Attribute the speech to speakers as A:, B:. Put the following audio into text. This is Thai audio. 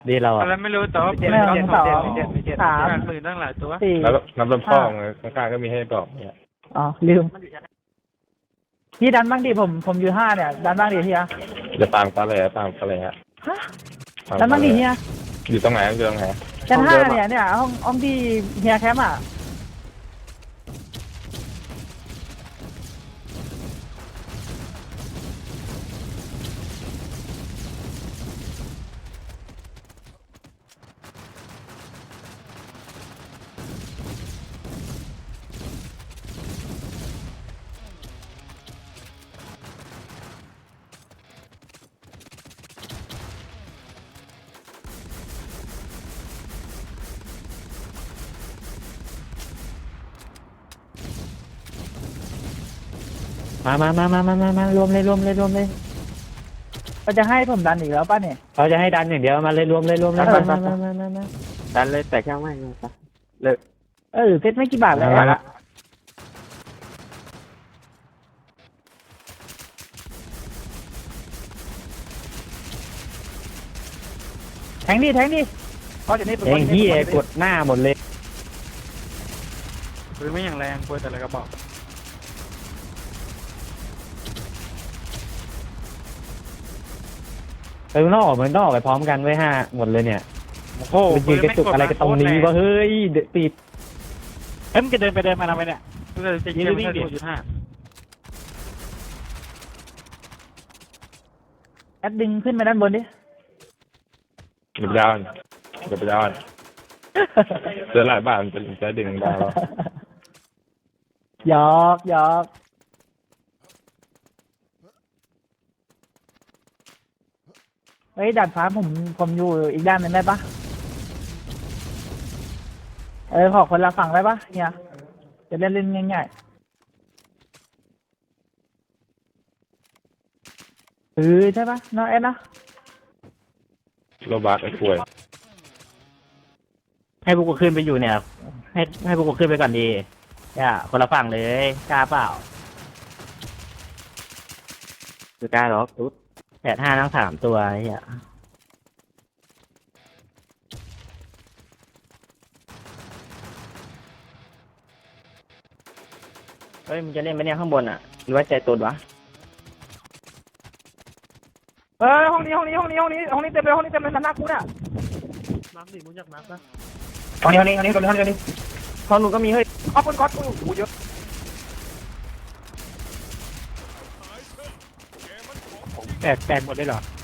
A: ดีเรา
B: อะไรไม่รู้แต่ว่า
C: ไม่เอาสองสาม
B: 80,000ตั้งหลายตัว
C: สี่
D: แล้วน้ำลำพ่อไงข้างๆก็มีให้บอกเนี่ย
C: อ๋อลืมพี่ดันบ้างดิผมอยู่5เนี่ยดันบ้างดิเฮีย
D: จะตามกันเลยตามกันเลยฮะ
C: ฮะดันบ้างดิเฮีย
D: อยู่ตรงไหนอยู่ตรงไหน
C: ชั้น5เนี่ยห้องที่เฮียแคมป์อ่ะ
A: มารวมเลย
C: ก็จะให้ผมดันอีกแล้วป่ะเนี่ย
A: เขาจะให้ดันอย่างเดียวมาเลยรวมเลยมา
E: ดันเลยแต่ช่างไม่ไป
C: เซ็ตไม่กี่บาทเลย
A: มาละ
C: แทงดิเพราะจะนี่
A: เองที่กดหน้าหมดเลย
B: ปืนไม่อย่างแรงปืนแต่ละกระบอก
A: ไปนอกมันต้องออกไปพร้อมกันไว้5หมดเลยเนี่ย
B: โอ้โห
A: ไปยืนกระจุกอะไรกันตรงนี้วะเฮ้ยติด
B: เอ็มจะเดินไปเดินมาทำไมเนี่ยจะยิงวิ่งดิ5
C: แอดดึงขึ้นมาด้านบนดิ
D: เดี๋ยวไปดาวเจอหลายบ้านจะดึงดาว
C: หยอกเฮ้ยดัดฟ้าผมอยู่อีกด้านหนึงได้ปะขอคนละฝั่งได้ปะเนี่ยจะเล่นง่ายๆใช่ปะน้องแอดนะ
D: โรบัสไอ้ป่วย
A: ให้พวกกูขึ้นไปอยู่เนี่ยให้พวกกูขึ้นไปก่อนดีคนละฝั่งเลยกล้าเปล่า
E: คือกล้าหรอกตุ๊ด
A: 85ทั้ง3ตัวเฮียเฮ้ยมึงจะเล่นไปเนี่ยข้างบนอ่ะหรือว่าใจตุดวะ
C: ห้องนี้เต็มเลยห้องนี้เต็มเลยหน้ากูน่ะ
B: มาร์คดิมึงอยากมาร์คปะ
C: ห้องนี้
A: ของหนูก็มีเฮ้ย
C: เอาคนก๊อตกูเยอะ
B: แตกหมดเลยเหรอ